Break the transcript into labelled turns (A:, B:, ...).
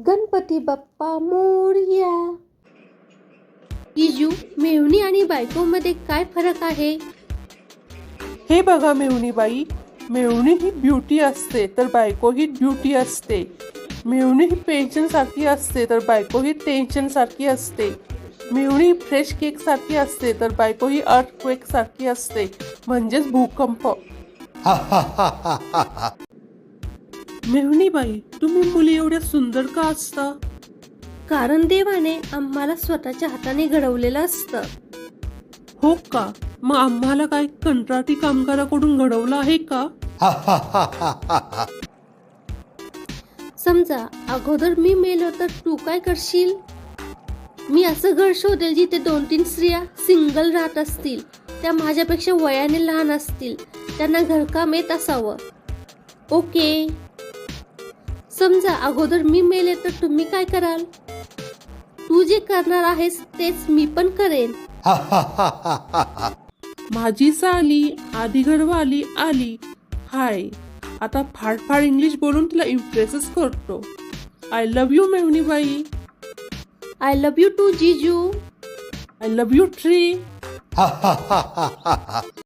A: गणपती बाप्पा मोरया. जिजू, मेहुणी आणि बायकोमध्ये काय फरक आहे?
B: हे बघा मेहुणीबाई, मेहुणी ही ब्युटी असते तर बायको ही ड्युटी असते. मेहुणी ही पेन्शन सारखी असते तर बायको ही टेन्शन सारखी असते. मेहुणी ही फ्रेश केक सारखी असते तर बायको ही अर्थक्वेक सारखी असते, म्हणजेच भूकंप. मेहुणीबाई, तुम्ही मुली एवढ्या सुंदर का असता?
A: कारण देवाने आम्हाला स्वतःच्या हाताने घडवलेलं असतं.
B: हो का? मग आम्हाला काय कंत्राटी कामगाराकडून घडवलं आहे का?
A: समजा अगोदर मी मेलो तर तू काय करशील? मी असं घर शोधेल जिथे 2-3 स्त्रिया सिंगल राहत असतील, त्या माझ्यापेक्षा वयाने लहान असतील, त्यांना घरकाम येत असावं. ओके. समजा अगोदर मी मेले तर तुम्ही काय कराल? तू जे करणार आहेस तेच मी पण करेन.
B: माझी साली आधी घरवाली आली. हाय, आता फाड इंग्लिश बोलून तिला इम्प्रेसच करतो. आय लव्ह यू मेहुणीबाई.
A: आय लव्ह यू टू जिजू.
B: I love you tree.